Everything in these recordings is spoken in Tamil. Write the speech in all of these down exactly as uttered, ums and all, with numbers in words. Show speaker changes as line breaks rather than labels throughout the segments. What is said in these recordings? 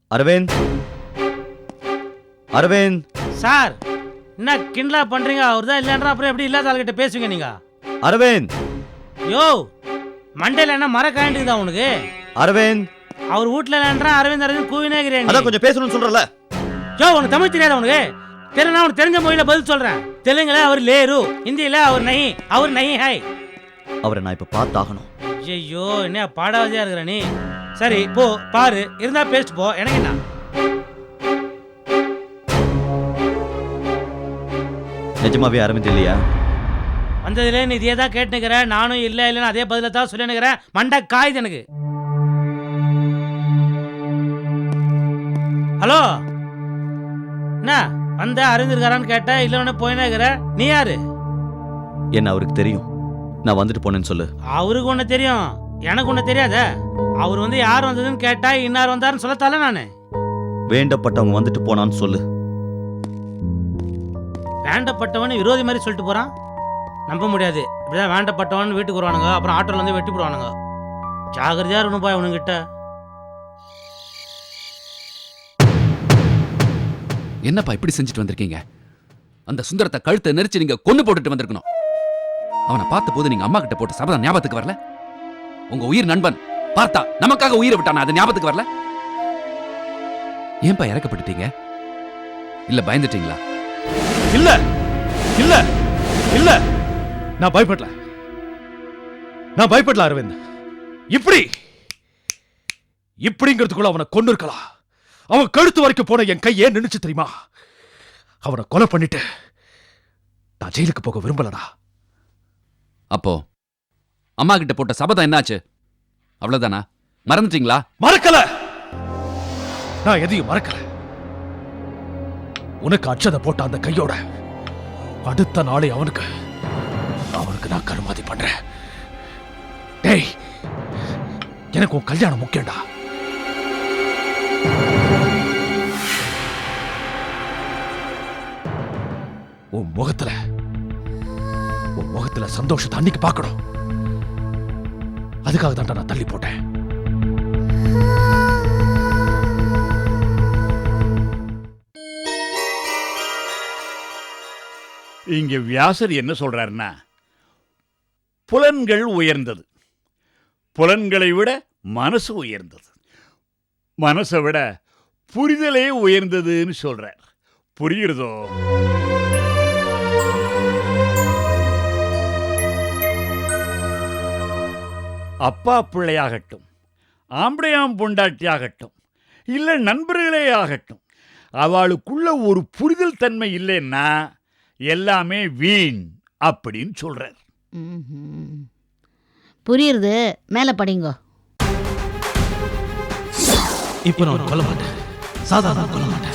அரவிந்த், அரவிந்த்
சார் என்ன கிண்டலா பண்றீங்க? அவர் தான் இல்லைன்றா அப்புறம் எப்படி இல்லாத ஆள்கிட்ட பேசுவீங்க நீங்க?
அரவிந்த்,
யோ மண்டையில என்ன மர காண்டிக்குதா உனக்கு?
அரவிந்த்,
அவர் வீட்டுல இல்லைன்றா அரவிந்த் அரவிந்த் கூவினே இருக்கிறேன்.
அதான் கொஞ்சம் பேசணும்னு சொல்றல.
யோ உனக்கு தமிழ் தெரியாதா உனக்கு? தெரியல, உனக்கு தெரிஞ்ச மொழியில பதில் சொல்றேன். தெலுங்குல அவர் லேரு, ஹிந்தியில அவர் நஹி, அவர் நஹி ஹாய்.
அவரை நான் இப்ப பார்த்தாகணும்.
ஐயோ என்ன பாடாவதியா இருக்கிற நீ. சரி போ பாரு, இருந்தா பேசிட்டு போ, எனக்கு என்ன.
நிஜமாவே அரவிந்த் இல்லையா?
வந்ததுல நீ இதே தான் கேட்டுக்கிறேன். நானும் இல்லை இல்லைன்னு அதே பதில தான் சொல்லினுக்கிறேன். மண்டை காயுது எனக்கு. ஹலோ, என்ன வந்த அறிந்திருக்காரான்னு கேட்ட, இல்லைன்னு போயினே இருக்கிற. நீ யாரு?
என்ன அவருக்கு தெரியும், நான் வந்துட்டு போனேன்னு சொல்லு.
அவருக்கு ஒண்ணு தெரியும், எனக்கு ஒண்ணு தெரியாத. அவர் வந்து யார் வந்ததுன்னு கேட்டா இன்னார் வந்தாருன்னு சொல்லத்தால நானு.
வேண்டப்பட்டவங்க வந்துட்டு போனான்னு சொல்லு.
வேண்டப்பட்டவன் விரோதி மாதிரி சொல்லிட்டு போறான், நம்ப முடியாது. இப்படிதான் வேண்டப்பட்டவன் வீட்டுக்கு வருவானுங்க, அப்புறம் ஆட்டோல வந்து வெட்டி போடுவானுங்க. ஜாகிரதையா இருக்கணும் பாய் உனக்கிட்ட.
என்னப்பா இப்படி செஞ்சுட்டு வந்திருக்கீங்க? அந்த சுந்தரத்தை கழுத்தை நெரிச்சு நீங்க கொண்டு போட்டுட்டு வந்திருக்கணும். அவனை பார்த்த போது நீங்க அம்மா கிட்ட போட்ட சபதம் ஞாபகத்துக்கு வரல? உங்க உயிர் நண்பன் பார்த்தா நமக்காக உயிரை விட்டானா, அது ஞாபகத்துக்கு வரல? ஏன்பா இறக்கப்பட்டுட்டீங்க? இல்ல பயந்துட்டீங்களா?
இல்ல இல்ல இல்ல, நான் பயப்படல, நான் பயப்படல அரவிந்த். இப்படி இப்படிங்கிறதுக்குள்ள அவனை கொண்டு இருக்கலாம். அவன் கழுத்து வரைக்கும் போன என் கை ஏன் நினைச்சு தெரியுமா? அவனை கொலை பண்ணிட்டு நான் ஜெயிலுக்கு போக விரும்பலடா.
அப்போ அம்மா கிட்ட போட்ட சபதம் என்னாச்சு? அவ்வளவுதானா? மறந்துட்டீங்களா?
மறக்கல, நான் எதையும் மறக்கல. உனக்கு அச்சதை போட்ட அந்த கையோட அடுத்த நாளே அவனுக்கு அவனுக்கு நான் கருமாதி பண்றேன். டேய், எனக்கு உன் கல்யாணம் முக்கியம்டா. உன் முகத்துல உன் முகத்துல சந்தோஷத்தை அன்னைக்கு பார்க்கணும். அதுக்காக தான் நான் தள்ளி போட்டேன்.
இங்க வியாசர் என்ன சொல்றாருன்னா, புலன்கள் உயர்ந்தது, புலன்களை விட மனசு உயர்ந்தது, மனசை விட புரிதலே உயர்ந்ததுன்னு சொல்றார். புரியுறதோ? அப்பா பிள்ளையாகட்டும், ஆம்படையாம் பொண்டாட்டியாகட்டும், இல்லை நண்பர்களே ஆகட்டும், அவளுக்குள்ள ஒரு புரிதல் தன்மை இல்லைன்னா எல்லாமே வீண் அப்படின்னு சொல்றார்.
புரியுது, மேல படிங்க.
இப்ப நான் கொல்ல மாட்டேன், சாதாரண கொல்ல மாட்டேன்.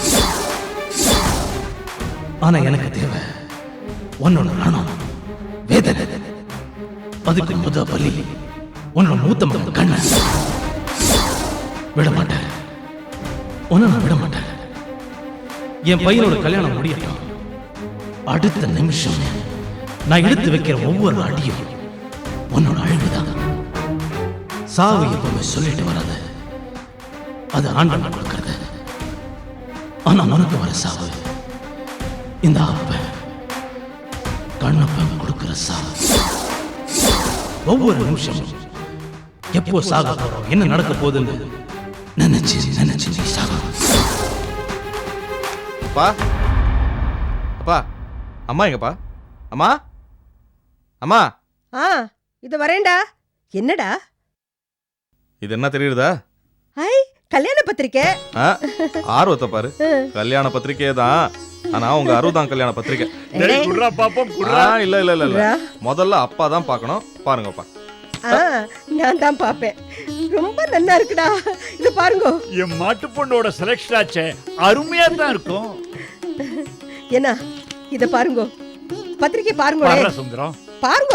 ஆனா எனக்கு தேவை உன்னோட ரணம், வேதனை. அதுக்கு முத பலி உன்னோட மூத்த மகன் கண்ணன். விட மாட்டேன், உன்னை நான் விட மாட்டேன். என் பையனோட கல்யாணம் முடியட்டும். அடுத்த நிமிஷம் நான் எடுத்து வைக்கிற ஒவ்வொரு அடியும் உன்னோட அழிவுதான். சாவு எப்பவுமே சொல்லிட்டு வராது, அது ஆண்டவன் கொடுக்கிறது. ஆனா உனக்கு வர சாவு இந்த அப்ப கண்ணப்பன் கொடுக்கிற சாவு. ஒவ்வொரு நிமிஷமும் எப்போ சாக போறோம், என்ன நடக்க போகுதுன்னு நினைச்சு நினைச்சு நீ சாக.
அப்பா, அப்பா, அம்மா எங்கப்பா? அம்மா, அம்மா.
ஆ, இது வரேன்டா. என்னடா
இது? என்ன தெரியுதா?
ஐ, கல்யாண பத்திரிக்கை.
ஆர்வத்தை பாரு, கல்யாண பத்திரிக்கை தான். ஆனா உங்க அறுபதாம் கல்யாண பத்திரிக்கை. இல்ல இல்ல இல்ல இல்ல, முதல்ல அப்பா தான் பார்க்கணும். பாருங்கப்பா.
நான் தான் பாப்பேன். ரொம்ப நல்லா இருக்குடா, இது பாருங்க.
என் மாட்டு பொண்ணோட செலக்ஷன் ஆச்சே, அருமையா தான் இருக்கும்.
என்ன இத பாருங்க, பத்திரிக்கை பாருங்க
சுந்தரம்,
பாருங்க.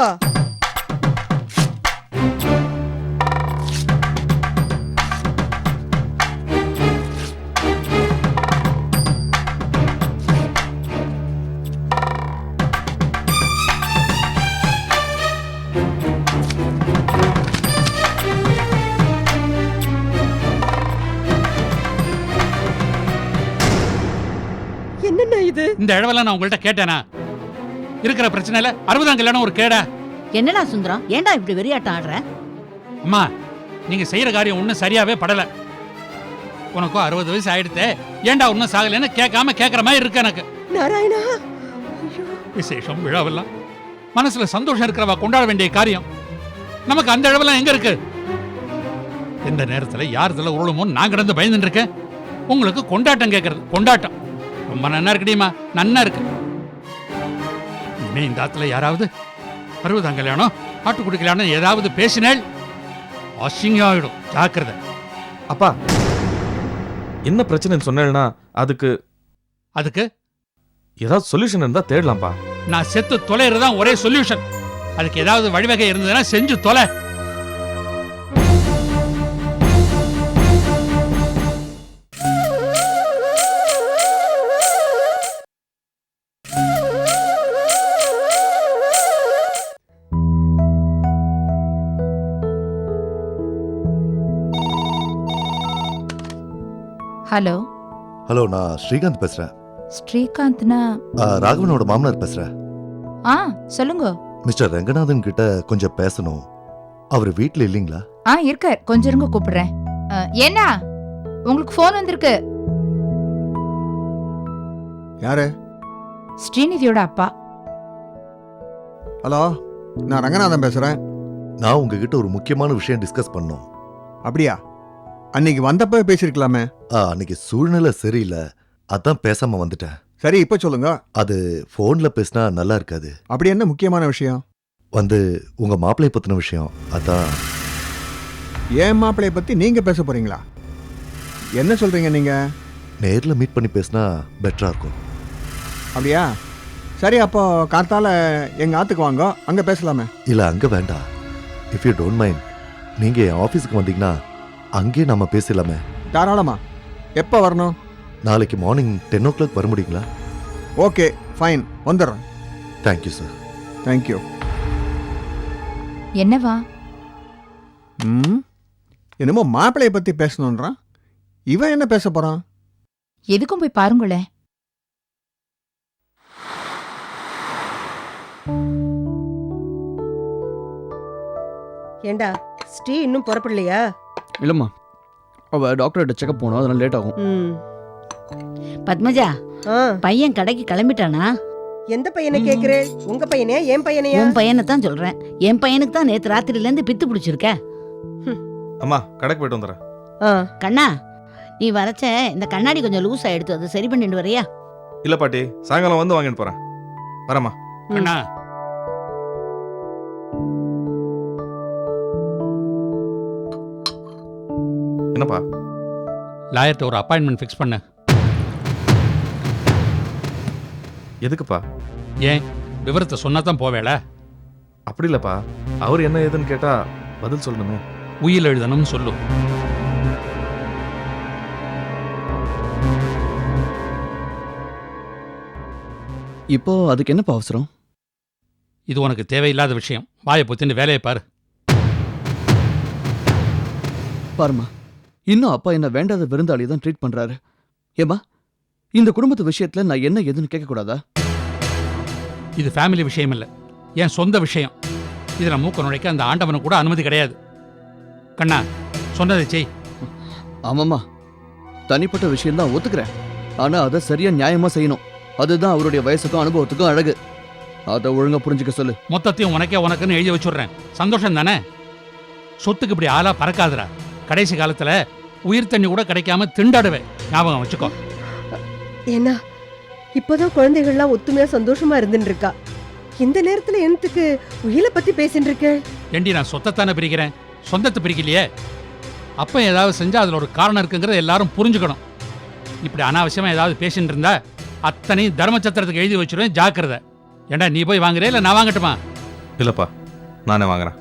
இந்த இடவெல்லாம் நான் உங்கள்கிட்ட கேட்டேனா? இருக்கிற பிரச்சனையில அறுபதாம் கல்யாணம் ஒரு கேடா?
என்னடா சுந்தரம், ஏன்டா இப்படி வெறியாட்டம் ஆடுற?
அம்மா, நீங்க செய்யற காரியம் ஒன்றும் சரியாவே படல. உனக்கும் அறுபது வயசு ஆயிடுத்தே, ஏன்டா ஒன்றும் சாகலைன்னு கேட்காம கேட்கற மாதிரி இருக்கு எனக்கு.
நாராயணா,
விசேஷம் விழாவெல்லாம் மனசுல சந்தோஷம் இருக்கிறவா கொண்டாட வேண்டிய காரியம். நமக்கு அந்த அளவெல்லாம் எங்க இருக்கு? எந்த நேரத்துல யார் இதுல உருளுமோ நான் கிடந்து பயந்துட்டு இருக்கேன். உங்களுக்கு கொண்டாட்டம் கேட்கறது கொண்டாட்டம் ரொம்ப நன்னா இருக்குடியுமா, நன்னா இருக்கு. இனிமே இந்த ஆத்துல யாராவது அறுபதாம் கல்யாணம் ஆட்டுக்குடி கல்யாணம் ஏதாவது பேசினேள் அசிங்காயிடும், ஜாக்கிரதை.
அப்பா என்ன பிரச்சனைன்னு சொன்னேன்னா அதுக்கு
அதுக்கு
ஏதாவது சொல்யூஷன் இருந்தா தேடலாம்ப்பா.
நான் செத்து தொலைறதுதான் ஒரே சொல்யூஷன். அதுக்கு ஏதாவது வழிவகை இருந்ததுன்னா செஞ்சு தொலை.
ஹலோ
ஹலோ, நான் ஸ்ரீகாந்த் பேசுறேன்.
ஸ்ரீகாந்த்னா?
ஆ, ராகவனோட மாமனார் பேசுறேன்.
ஆ சொல்லுங்க.
மிஸ்டர் ரங்கநாதன் கிட்ட கொஞ்சம் பேசணும். அவர் வீட்ல இல்லீங்களா?
ஆ இருக்கார், கொஞ்சம் இருங்க கூப்பிடுறேன். என்ன உங்களுக்கு ஃபோன் வந்திருக்கு?
யாரு?
ஸ்ரீநிதியோட அப்பா.
ஹலோ, நான் ரங்கநாதன் பேசுறேன்.
நான் உங்ககிட்ட ஒரு முக்கியமான விஷயம் டிஸ்கஸ் பண்ணோம்.
அப்படியா? அன்னைக்கு வந்தப்ப பேசிருக்கலாமே.
ஆ, அன்னைக்கு சூழ்நிலை சரியில்லை, அதான் பேசாம வந்துட்டேன்.
சரி, இப்ப சொல்லுங்க.
அது போன்ல பேசினா நல்லா இருக்காது.
அப்படி என்ன முக்கியமான விஷயம்?
வந்து உங்க மாப்பிள்ளை பத்தின விஷயம். அதான்.
ஏன் மாப்பிள்ளைய பத்தி நீங்க பேச போறீங்களா? என்ன சொல்றீங்க நீங்க?
நேர்ல மீட் பண்ணி பேசினா பெட்டரா இருக்கும்.
அப்படியா? சரி, அப்போ காத்தால எங்க ஆத்துக்கு வாங்க, அங்க பேசலாமே.
இல்ல, அங்க வேண்டாம். இஃப் யூ டோன்ட் மைண்ட், நீங்க என் ஆபீஸ்க்கு வந்தீங்கன்னா அங்கேயே நம்ம பேசலாமே.
தாராளமா. எப்போ வரணும்?
நாளைக்கு மார்னிங் டென் ஓ கிளாக் வர முடியுங்களா?
ஓகே, ஃபைன், வந்துடுறேன்.
Thank you sir.
தேங்க்யூ.
என்னவா?
ம், என்னமோ மாப்பிள்ளைய பத்தி பேசணுன்றான். இவன் என்ன பேச போறான்?
எதுக்கும் போய் பாருங்களேன்.
ஏண்டா ஸ்ரீ இன்னும் புறப்படலையா?
இல்லம்மா, அவ டாக்டர்கிட்ட செக்அப் போனோம், அதனால லேட் ஆகும்.
ம்.
பத்மஜா, பையன் கடைக்கு கிளம்பிட்டானா?
எந்த பையனை கேக்குறே? உங்க பையனே, என் பையனையா?
உன் பையனை தான் சொல்றேன். என் பையனுக்கு தான் நேத்து ராத்திரில இருந்து பித்து பிடிச்சிருக்க.
அம்மா, கடைக்கு போயிட்டு வந்துடுறேன்.
கண்ணா, நீ வரச்ச இந்த கண்ணாடி கொஞ்சம் லூஸா எடுத்து அதை சரி பண்ணிட்டு வரியா?
இல்ல பாட்டி, சாயங்காலம் வந்து வாங்கிட்டு போறேன். வரமா.
அண்ணா,
என்னப்பா?
லாயர்ட்ட ஒரு அப்பாயின்மெண்ட் ஃபிக்ஸ் பண்ண.
எதுக்குப்பா?
ஏன், விவரத்தை சொன்னா தான் போவேல?
அப்படி இல்லப்பா, அவர் என்ன ஏதுன்னு கேட்டா பதில் சொல்லணுமே.
உயில் எழுதணும்னு சொல்லு.
இப்போ அதுக்கு என்னப்பா அவசரம்?
இது உனக்கு தேவையில்லாத விஷயம். வாயை பொத்தின்னு வேலையை பாரு.
பாருமா, இன்னும் அப்பா என்ன வேண்டாத விருந்தாளி தான் ட்ரீட் பண்றாரு. ஏமா, இந்த குடும்பத்து விஷயத்துல நான் என்ன எதுன்னு கேட்க கூடாதா?
இது ஃபேமிலி விஷயம் இல்லை, என் சொந்த விஷயம். இதுல மூக்க நுழைக்க அந்த ஆண்டவனுக்கு கூட அனுமதி கிடையாது. கண்ணா, சொன்னதை செய்.
ஆமாம்மா, தனிப்பட்ட விஷயம் தான் ஒத்துக்கிறேன். ஆனா அதை சரியா நியாயமா செய்யணும். அதுதான் அவருடைய வயசுக்கும் அனுபவத்துக்கும் அழகு. அதை ஒழுங்கா புரிஞ்சுக்க சொல்லு.
மொத்தத்தையும் உனக்கே உனக்குன்னு எழுதி வச்சுடுறேன். சந்தோஷம் தானே? சொத்துக்கு இப்படி ஆளா பறக்காதுடா. கடைசி காலத்துல உயிர் தண்ணி கூட கிடைக்காம திண்டாடுவேன், ஞாபகம் வச்சுக்கோ.
ஏன்னா இப்பதான் குழந்தைகள்லாம் ஒத்துமையா சந்தோஷமா இருந்துட்டு இருக்கா. இந்த நேரத்துல என்னத்துக்கு உயிரை பத்தி பேசிட்டு இருக்க?
ஏண்டி, நான் சொத்தைத்தானே பிரிக்கிறேன், சொந்தத்தை பிரிக்கலையே. அப்ப ஏதாவது செஞ்சா அதுல ஒரு காரணம் இருக்குங்கிறத எல்லாரும் புரிஞ்சுக்கணும். இப்படி அனாவசியமா ஏதாவது பேசிட்டு இருந்தா அத்தனையும் தர்மச்சத்திரத்துக்கு எழுதி வச்சிருவேன், ஜாக்கிரதை. ஏண்டா, நீ போய் வாங்குறே இல்ல நான் வாங்கட்டுமா?
இல்லப்பா, நானே வாங்குறேன்.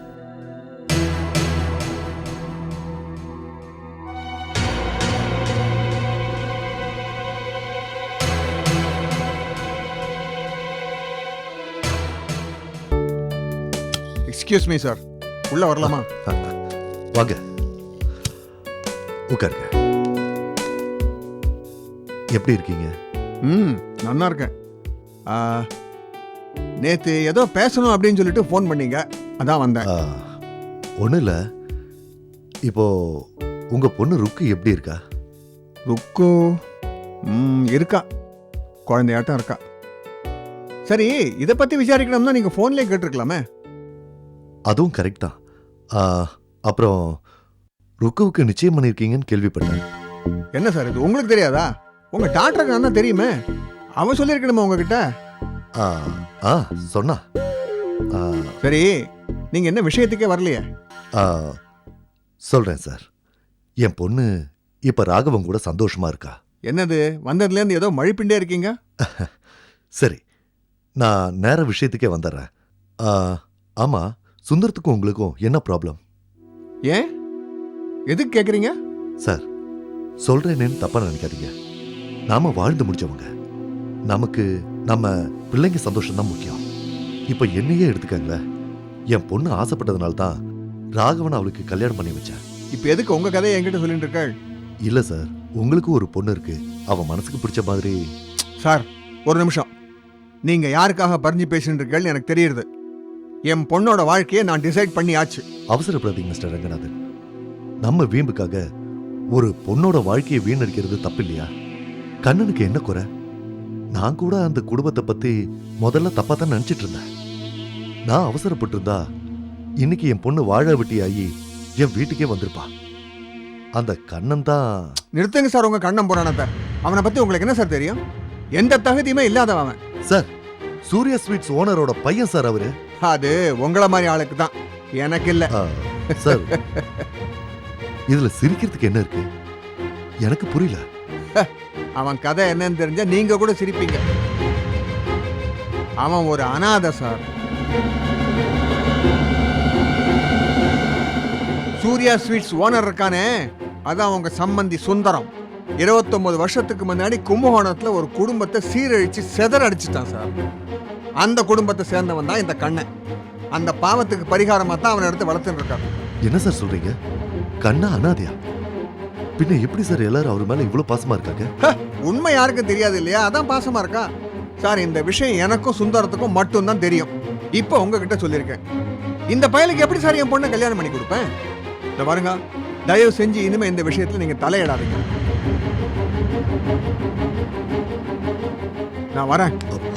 எக்ஸ்கியூஸ் மீ சார், உள்ள வரலாமா?
வாங்க, உட்காருங்க. எப்படி இருக்கீங்க?
ம், நல்லா இருக்கேன். நேற்று ஏதோ பேசணும் அப்படின்னு சொல்லிட்டு ஃபோன் பண்ணீங்க, அதான் வந்தேன்.
ஒன்றும் இல்லை, இப்போ உங்க பொண்ணு ருக்கு எப்படி இருக்கா?
ருக்கு ம் இருக்கா, குழந்தையாட்டம் இருக்கா. சரி, இதை பற்றி விசாரிக்கணும்னா நீங்கள் ஃபோன்லேயே கேட்டிருக்கலாமே.
அதுவும் கரெக்ட் தான். ஆ, அப்புறம் ருக்குவுக்கு நிச்சயம் பண்ணியிருக்கீங்கன்னு கேள்விப்பட்டேன்.
என்ன சார் இது உங்களுக்கு தெரியாதா? உங்கள் டாக்டருக்கு நல்லா தெரியுமே, அவன் சொல்லியிருக்கணுமா உங்ககிட்ட?
ஆ ஆ சொன்னா. ஆ,
சரி, நீங்கள் என்ன விஷயத்துக்கே வரலையே?
ஆ, சொல்றேன் சார். என் பொண்ணு இப்ப ராகவன் கூட சந்தோஷமா இருக்கா.
என்னது, வந்ததுலேருந்து ஏதோ மழைப்பிண்டே இருக்கீங்க?
சரி, நான் நேர விஷயத்துக்கே வந்துடுறேன். ஆ, ஆமா, சுந்தரத்துக்கும் உங்களுக்கும் என்ன ப்ராப்ளம்?
ஏன், எதுக்கு கேட்குறீங்க?
சார், சொல்றேன்னு தப்பா நினைக்காதீங்க. நாம வாழ்ந்து முடிச்சவங்க, நமக்கு நம்ம பிள்ளைங்க சந்தோஷம் தான் முக்கியம். இப்ப என்னையே எடுத்துக்கங்களேன். என் பொண்ணு ஆசைப்பட்டதுனால தான் ராகவன் அவளுக்கு கல்யாணம் பண்ணி வச்சேன்.
இப்ப எதுக்கு உங்க கதையை என்கிட்ட சொல்லிட்டு இருக்காள்?
இல்ல சார், உங்களுக்கு ஒரு பொண்ணு இருக்கு, அவ மனசுக்கு பிடிச்ச மாதிரி.
சார், ஒரு நிமிஷம். நீங்க யாருக்காக பறிஞ்சு பேசிட்டு இருக்கீங்கன்னு எனக்கு தெரியுது. என் பொண்ணோட வாழ்க்கையை நான் டிசைட் பண்ணி ஆச்சு.
அவசரப்படாதீங்க மிஸ்டர் ரங்கநாதன். நம்ம வீம்புக்காக ஒரு பொண்ணோட வாழ்க்கையை வீணடிக்கிறது தப்பு இல்லையா? கண்ணனுக்கு என்ன குறை? நான் கூட அந்த குடும்பத்தை பத்தி முதல்ல தப்பா தான் நினைச்சிட்டு இருந்தேன். நான் அவசரப்பட்டு இருந்தா இன்னைக்கு என் பொண்ணு வாழ வெட்டி ஆகி என் வீட்டுக்கே வந்திருப்பா. அந்த கண்ணன் தான்.
நிறுத்துங்க சார் உங்க கண்ணன் புராணத்தை. அவனை பத்தி உங்களுக்கு என்ன சார் தெரியும்? எந்த தகுதியுமே இல்லாதவன்
சார். சூர்யா ஸ்வீட்ஸ் ஓனரோட பையன் சார் அவரு.
அது உங்களை மாதிரி ஆளுக்கு தான், எனக்கு இல்ல
சார். இதுல சிரிக்கிறதுக்கு என்ன இருக்கு? எனக்கு புரியல.
அவன் கதை என்னன்னு தெரிஞ்சா நீங்க கூட சிரிப்பீங்க. அவன் ஒரு அனாதை சார். சூர்யா ஸ்வீட்ஸ் ஓனர் இருக்கானே, அதான் அவங்க சம்பந்தி சுந்தரம். இருபத்தொன்பது வருஷத்துக்கு முன்னாடி கும்பகோணத்துல ஒரு குடும்பத்தை சீரழிச்சு செதற அடிச்சுட்டான் சார். அந்த குடும்பத்தை சேர்ந்தவன் தான் இந்த கண்ணன். அந்த பாவத்துக்கு பரிகாரமா தான் அவனை எடுத்து வளர்த்துட்டு இருக்காரு.
என்ன சார் சொல்றீங்க? கண்ணா அனாதையா? பின்ன எப்படி சார் எல்லாரும் அவர் மேல இவ்வளவு பாசமா இருக்காங்க?
உண்மை யாருக்கும் தெரியாது இல்லையா, அதான் பாசமா இருக்கா சார். இந்த விஷயம் எனக்கும் சுந்தரத்துக்கும் மட்டும் தான் தெரியும். இப்ப உங்ககிட்ட சொல்லியிருக்கேன். இந்த பயலுக்கு எப்படி சார் என் பொண்ணை கல்யாணம் பண்ணி கொடுப்பேன்? இந்த பாருங்க, தயவு செஞ்சு இனிமே இந்த விஷயத்துல நீங்க தலையிடாதீங்க. நான் வரேன்.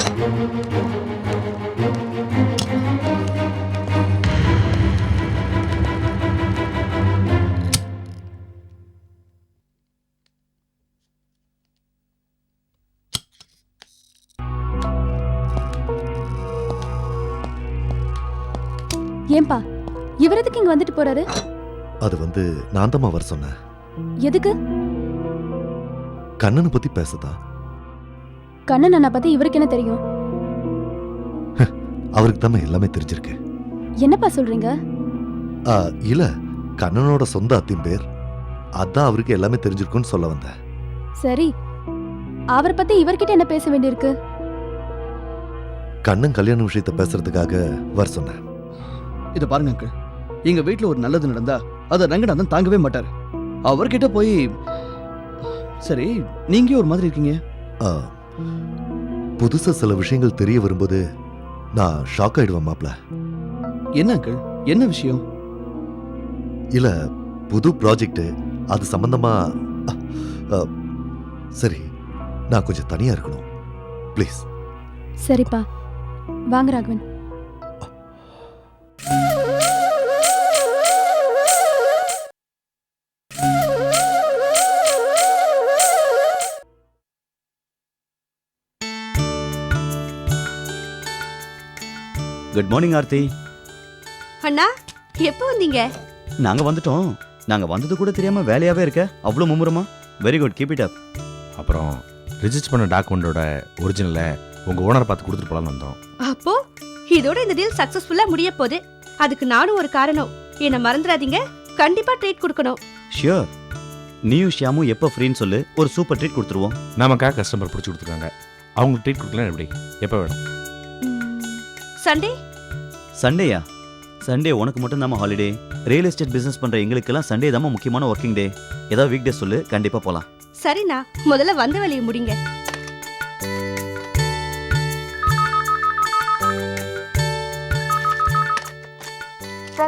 ஏன்பா இவர் எதுக்கு இங்க வந்துட்டு போறாரு?
அது வந்து நான் தான் வர சொன்னேன்.
எதுக்கு?
கண்ணனை பத்தி பேசதா.
கண்ணன் அண்ணா பத்தி இவருக்கு என்ன தெரியும்?
அவருக்கு தான் எல்லாமே தெரிஞ்சிருக்கு.
என்னப்பா சொல்றீங்க?
ஆ, இல்ல, கண்ணனோட சொந்த அத்தின் பேர், அதான் அவருக்கு எல்லாமே தெரிஞ்சிருக்குன்னு சொல்ல வந்தேன்.
சரி, அவரை பத்தி இவர்கிட்ட என்ன பேச வேண்டியிருக்கு?
கண்ணன் கல்யாண விஷயத்தை பேசுறதுக்காக வர சொன்னேன்.
இதை பாருங்க அங்கிள், எங்க வீட்டுல ஒரு நல்லது நடந்தா அதை ரங்கநாதன் தாங்கவே மாட்டார். அவர்கிட்ட போய் சரி நீங்க ஒரு மாதிரி இருக்கீங்க.
புதுசா சில விஷயங்கள் தெரிய வரும்போது நான் ஷாக் ஆயிடுவேன் மாப்ள.
என்ன அங்கிள், என்ன விஷயம்?
இல்ல, புது ப்ராஜெக்ட், அது சம்பந்தமா. சரி, நான் கொஞ்சம் தனியா இருக்கணும் ப்ளீஸ்.
சரிப்பா, வாங்க ராகவன்.
Good morning Aarthi.
அண்ணா, எப்போ வந்தீங்க?
நாங்க வந்துட்டோம். நாங்க வந்தது கூட தெரியாம வேலையாவே இருக்க, அவ்வளோ மும்முரமா. Very good, keep it up.
அப்புறம் ரிஜிஸ்டர் பண்ண டாக்குமெண்டோட ஒரிஜினலை உங்க ஓனர் பார்த்து கொடுத்துட்டு போலாம்னு வந்தோம்.
அப்போ இதோட இந்த டீல் சக்சஸ்ஃபுல்லா முடிய போகுது. அதுக்கு நானும் ஒரு காரணம். என்ன மறந்துடாதீங்க, கண்டிப்பா ட்ரீட் கொடுக்கணும்.
ஷியோர். நீயும் ஷியாமும் எப்போ ஃப்ரீன்னு சொல்லு, ஒரு சூப்பர் ட்ரீட் கொடுத்துருவோம்.
நமக்காக கஸ்டமர் பிடிச்சி கொடுத்துருக்காங்க, அவங்களுக்கு ட்ரீட் கொடுக்கலாம். எப்படி, எப்போ வேணும்?
சண்டே.
சண்டேயா? சண்டே உனக்கு மட்டும் தாம ஹாலிடே. ரியல் எஸ்டேட் பிசினஸ் பண்ற எங்களுக்கெல்லாம் சண்டே தாம முக்கியமான ஒர்க்கிங் டே. ஏதாவது வீக் டே சொல்லு, கண்டிப்பா போலாம்.
சரிண்ணா, முதல்ல வந்த வேலையை முடிங்க.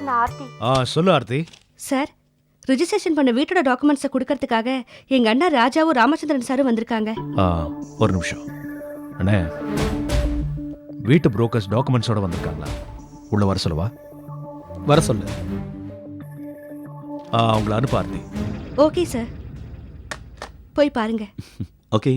சார் நான் ஆர்த்தி.
ஆ சொல்லு ஆர்த்தி.
சார் ரிஜிஸ்ட்ரேஷன் பண்ண வீட்டோட டாக்குமெண்ட்ஸை கொடுக்கறதுக்காக எங்க அண்ணா ராஜாவும் ராமச்சந்திரன் சாரும் வந்திருக்காங்க.
ஆ ஒரு நிமிஷம் அண்ணே, வீட்டு புரோக்கர்ஸ் டாக்குமெண்ட்ஸோட வந்திருக்காங்களா? உள்ள வர சொல்லவா?
வர சொல்லு.
ஆ அவங்கள அனுப்ப ஆர்த்தி.
ஓகே சார், போய் பாருங்க.
ஓகே.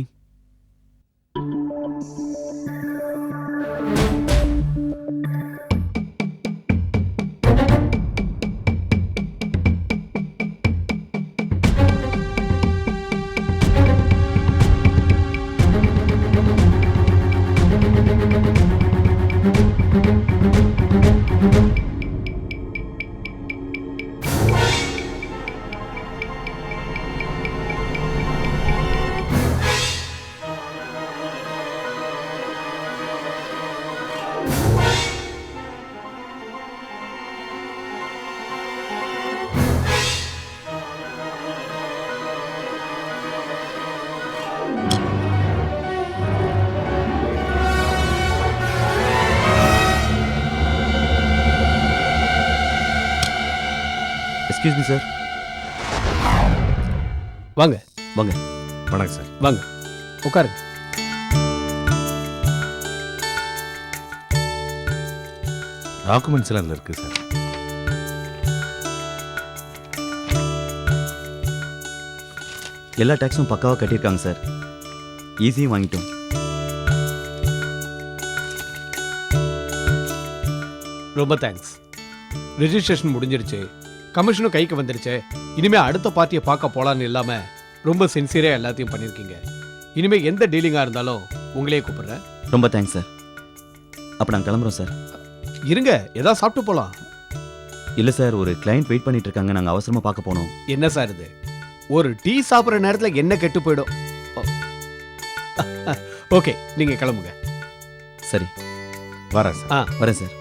Excuse me sir.
வாங்க
வாங்க.
வணக்கம் சார்.
வாங்க உட்காருங்க.
டாக்குமெண்ட்ஸ் எல்லாம் இதுல இருக்கு சார்.
எல்லா டேக்ஸும் பக்காவாக கட்டியிருக்காங்க சார். ஈஸியும் வாங்கிட்டோம்.
ரொம்ப தேங்க்ஸ். ரெஜிஸ்ட்ரேஷன் முடிஞ்சிருச்சு, கமிஷனும் கைக்கு வந்துருச்சு. இனிமே அடுத்த பார்ட்டியை பார்க்க போலான்னு இல்லாம ரொம்ப சின்சியரா எல்லாத்தையும் பண்ணியிருக்கீங்க. இனிமே எந்த டீலிங்கா இருந்தாலும் உங்களையே கூப்பிடுறேன்.
ரொம்ப தேங்க்ஸ் சார். அப்போ நாங்கள் கிளம்புறோம் சார்.
இருங்க, ஏதாவது சாப்பிட்டு போலாம்.
இல்லை சார், ஒரு கிளைண்ட் வெயிட் பண்ணிட்டு இருக்காங்க, நாங்கள் அவசரமாக பார்க்க போனோம்.
என்ன சார் இது, ஒரு டீ சாப்பிட்ற நேரத்தில் என்ன கெட்டு போயிடும். ஓகே, நீங்க கிளம்புங்க.
சரி
வரேன் சார்.
ஆ
வரேன் சார்.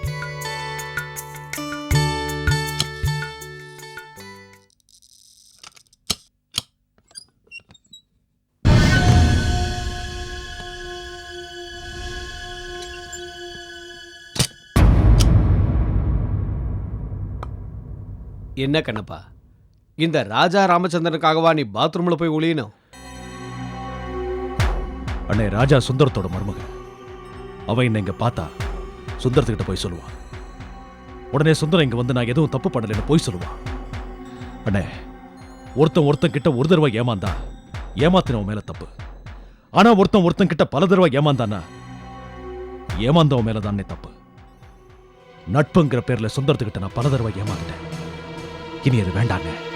என்ன கண்ணப்பா, இந்த ராஜா ராமச்சந்திரனுக்காகவா நீ பாத்ரூம்ல போய் ஒளியணும்?
அண்ணே, ராஜா சுந்தரத்தோட மருமக. அவன் என்ன இங்க பார்த்தா சுந்தரத்துக்கிட்ட போய் சொல்லுவான். உடனே சுந்தரம் இங்க வந்து நான் எதுவும் தப்பு பண்ணலன்னு போய் சொல்லுவான். அண்ணே, ஒருத்தன் ஒருத்தன் கிட்ட ஒரு தடவை ஏமாந்தா ஏமாத்தினவன் மேல தப்பு. ஆனா ஒருத்தன் ஒருத்தன் கிட்ட பல தடவை ஏமாந்தானா ஏமாந்தவன் மேல தானே தப்பு. நட்புங்கிற பேர்ல சுந்தரத்துக்கிட்ட நான் பல தடவை ஏமாந்துட்டேன். இனி அது வேண்டாங்க.